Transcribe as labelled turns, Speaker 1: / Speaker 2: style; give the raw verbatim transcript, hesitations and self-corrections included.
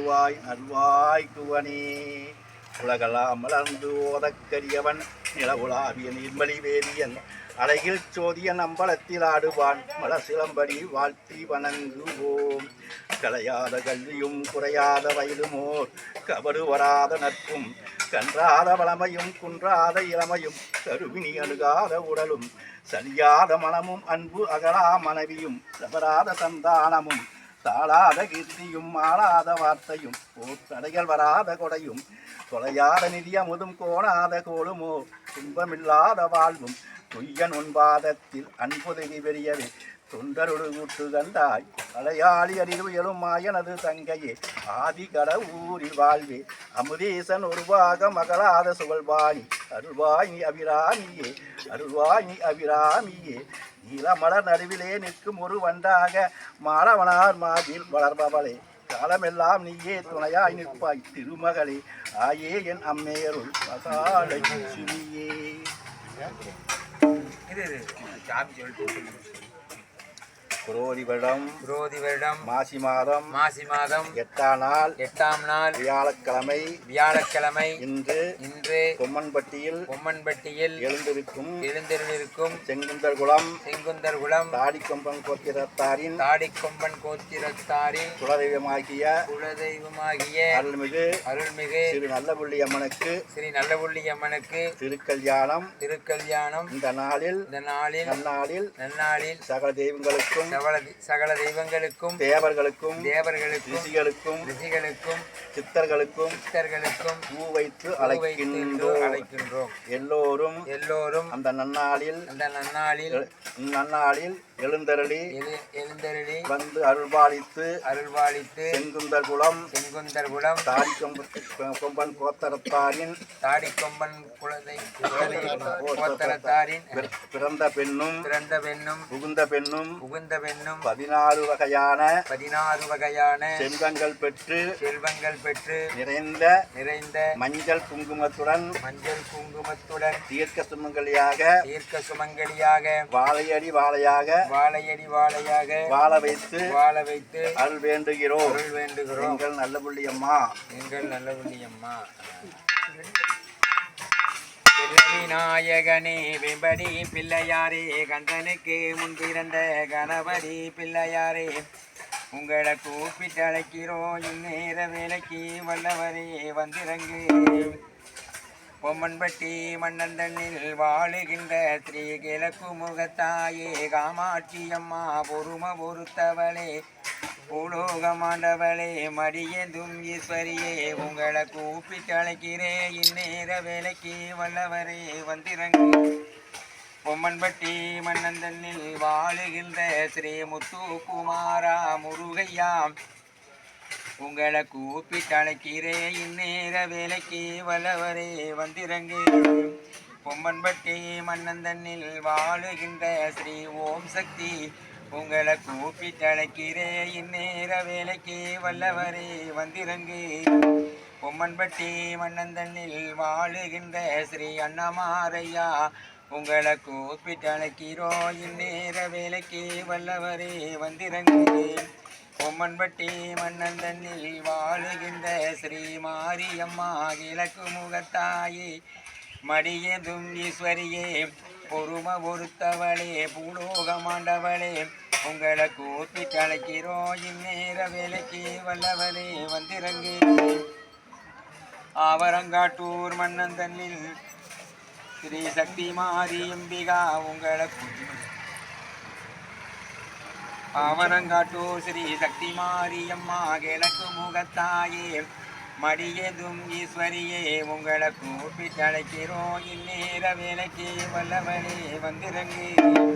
Speaker 1: தருவாய் நல்வாய் குவனே. உலகெல்லாம் மலர்ந்து ஓதக்கரியவன் நிலவுலாவிய நீர்மலி வேதியன் அழகில் சோதியன் அம்பலத்தில் ஆடுவான் மலசிலம்படி வாழ்த்தி வணங்குவோம். கலையாத கல்வியும் குறையாத வயலுமோர் கபடு வராத நட்பும் கன்றாத வளமையும் குன்றாத இளமையும் கருவினி அணுகாத உடலும் சரியாத மனமும் அன்பு அகலா மனைவியும் தவறாத சந்தானமும் தாளாத கீர்த்தியும் ஆளாத வார்த்தையும் ஓர் தடைகள் வராத கொடையும் தொலையாத நிதியமுதும் கோணாத கோளுமோ துன்பமில்லாத வாழ்வும் துய்யன் உன்பாதத்தில் அன்புதவி பெரியவே தொண்டருடு கூட்டு கண்டாய் அலையாளி அறிவு எழும் மாயனது தங்கையே ஆதி கட ஊரில் வாழ்வே அமுதேசன் ஒருவாக மகளாத சுகழ்வாணி அருள்வாய் நீ அபிராமியே அருள்வாய் நீ அபிராமியே. நீலமலர் நடுவிலே நிற்கும் ஒரு வண்டாக மாணவனார் மாதில் வளர்பவளே காலமெல்லாம் நீயே துணையாய் நிற்பாய் திருமகளே ஆயே என் அம்மையருள் மகாலட்சுமியே. குரோதி வருடம்
Speaker 2: குரோதி வருடம்
Speaker 1: மாசி மாதம்
Speaker 2: மாசி மாதம்
Speaker 1: எட்டாம் நாள்
Speaker 2: எட்டாம் நாள்
Speaker 1: வியாழக்கிழமை
Speaker 2: வியாழக்கிழமை
Speaker 1: இன்று
Speaker 2: இன்று
Speaker 1: கொம்மன்பட்டியில்
Speaker 2: கொம்மன்பட்டியில்
Speaker 1: எழுந்திருக்கும்
Speaker 2: எழுந்திருக்கும்
Speaker 1: செங்குந்தர் குளம்
Speaker 2: செங்குந்தர் குளம்
Speaker 1: தாடிக்கொம்பன் கோத்திரத்தாரின்
Speaker 2: தாடிக்கொம்பன் கோத்திரத்தாரின்
Speaker 1: குலதெய்வமாகிய
Speaker 2: குலதெய்வமாகிய
Speaker 1: அருள்மிகு
Speaker 2: அருள்மிகு
Speaker 1: ஸ்ரீ நல்லபுள்ளி அம்மனுக்கு
Speaker 2: ஸ்ரீ நல்லபுள்ளி அம்மனுக்கு
Speaker 1: திருக்கல்யாணம்
Speaker 2: திருக்கல்யாணம்
Speaker 1: இந்த நாளில்
Speaker 2: இந்த நாளில்
Speaker 1: நன்னாளில்
Speaker 2: நன்னாளில்
Speaker 1: சகல தெய்வங்களுக்கும்
Speaker 2: சகல தெய்வங்களுக்கும்
Speaker 1: தேவர்களுக்கும்
Speaker 2: தேவர்களுக்கும்
Speaker 1: ரிஷிகளுக்கும்
Speaker 2: ரிஷிகளுக்கும்
Speaker 1: சித்தர்களுக்கும்
Speaker 2: சித்தர்களுக்கும்
Speaker 1: பூ வைத்து அழைக்கின்றோம்
Speaker 2: அழைக்கின்றோம்.
Speaker 1: எல்லோரும்
Speaker 2: எல்லோரும்
Speaker 1: அந்த நன்னாளில்
Speaker 2: அந்த நன்னாளில்
Speaker 1: நன்னாளில் எழுந்தருளி
Speaker 2: எழுந்தருளி
Speaker 1: வந்து அருள்பாலித்து
Speaker 2: அருள்பாலித்து
Speaker 1: செங்குந்தர் குளம்
Speaker 2: செங்குந்தர் குளம்
Speaker 1: தாடிக்கொம்பன் கோத்தரத்தாரின்
Speaker 2: தாடிக்கொம்பன் குலதை கோத்தரத்தாரின்
Speaker 1: பிறந்த பெண்ணும்
Speaker 2: பிறந்த பெண்ணும்
Speaker 1: புகுந்த பெண்ணும்
Speaker 2: புகுந்த பெண்ணும்
Speaker 1: பதினாறு வகையான
Speaker 2: பதினாறு வகையான
Speaker 1: செல்வங்கள் பெற்று
Speaker 2: செல்வங்கள் பெற்று
Speaker 1: நிறைந்த
Speaker 2: நிறைந்த
Speaker 1: மஞ்சள் குங்குமத்துடன்
Speaker 2: மஞ்சள் குங்குமத்துடன்
Speaker 1: தீர்க்க சுமங்கலியாக
Speaker 2: தீர்க்க சுமங்கலியாக
Speaker 1: வாழையடி வாழையாக
Speaker 2: வாழையடி வாழையாக
Speaker 1: வாழ வைத்து
Speaker 2: வாழ வைத்து
Speaker 1: அருள் வேண்டுகிறோம்
Speaker 2: அருள் வேண்டுகிறோம்.
Speaker 1: எங்கள் நல்லபுள்ளி அம்மா
Speaker 2: எங்கள் நல்லபுள்ளி அம்மா. விநாயகனே வெம்படி பிள்ளையாரே கந்தனுக்கு முன்பிறந்த கணபதி பிள்ளையாரே உங்களை கூப்பிட்டு அழைக்கிறோம் இந்நேர வேலைக்கு வல்லவரே வந்திறங்கு. பொம்மன்பட்டி மன்னன் தன்னில் வாழுகின்ற ஸ்ரீ கிழக்கு முகத்தாயே காமாட்சி அம்மா பொறும பொறுத்தவளே பூலோகமாண்டவளே மடியதும் ஈஸ்வரியே உங்களை கூப்பிட்டு அழைக்கிறேன் இந்நேர வேலைக்கு வல்லவரே வந்திறங்கு. பொம்மன்பட்டி மன்னன் தன்னில் வாழுகின்ற ஸ்ரீ முத்துக்குமாரா முருகையா உங்களை கூப்பிட்டு அழைக்கிறேன் இந்நேர வேலைக்கு வல்லவரே வந்திறங்கு. பொம்மன்பட்டி மன்னன் தன்னில் வாழுகின்ற ஸ்ரீ ஓம் சக்தி உங்களை கூப்பிட்டு அழைக்கிறேன் இந்நேர வேலைக்கு வல்லவரே வந்திறங்கு. பொம்மன்பட்டி மன்னன் தன்னில் வாழுகின்ற ஸ்ரீ அண்ணமாரையா உங்களை கூப்பிட்டு அழைக்கிறோம் இந்நேர வேலைக்கு வல்லவரே வந்திறங்கு. பொம்மன்பட்டி மன்னன் தன்னில் வாழுகின்ற ஸ்ரீ மாரியம்மா கிழக்கு முகத்தாயே மடியதும் ஈஸ்வரியே பொறும பொறுத்தவளே பூலோகமாண்டவளே உங்களை கூப்பிட்டு அழைக்கிறோம் இந்நேர வேலைக்கு வல்லவளே வந்திறங்கு. ஆவரங்காட்டூர் மன்னன் தன்னில் ஸ்ரீ சக்தி மாரியம்பிகா உங்களை ஆவரங்காட்டூர் ஸ்ரீ சக்தி மாரியம்மா கிழக்கு முகத்தாயே மடியதும் ஈஸ்வரியே உங்களை கூப்பிட்டு அழைக்கிறோம் இந்நேர வேலைக்கு வல்லவளே வந்திறங்கு.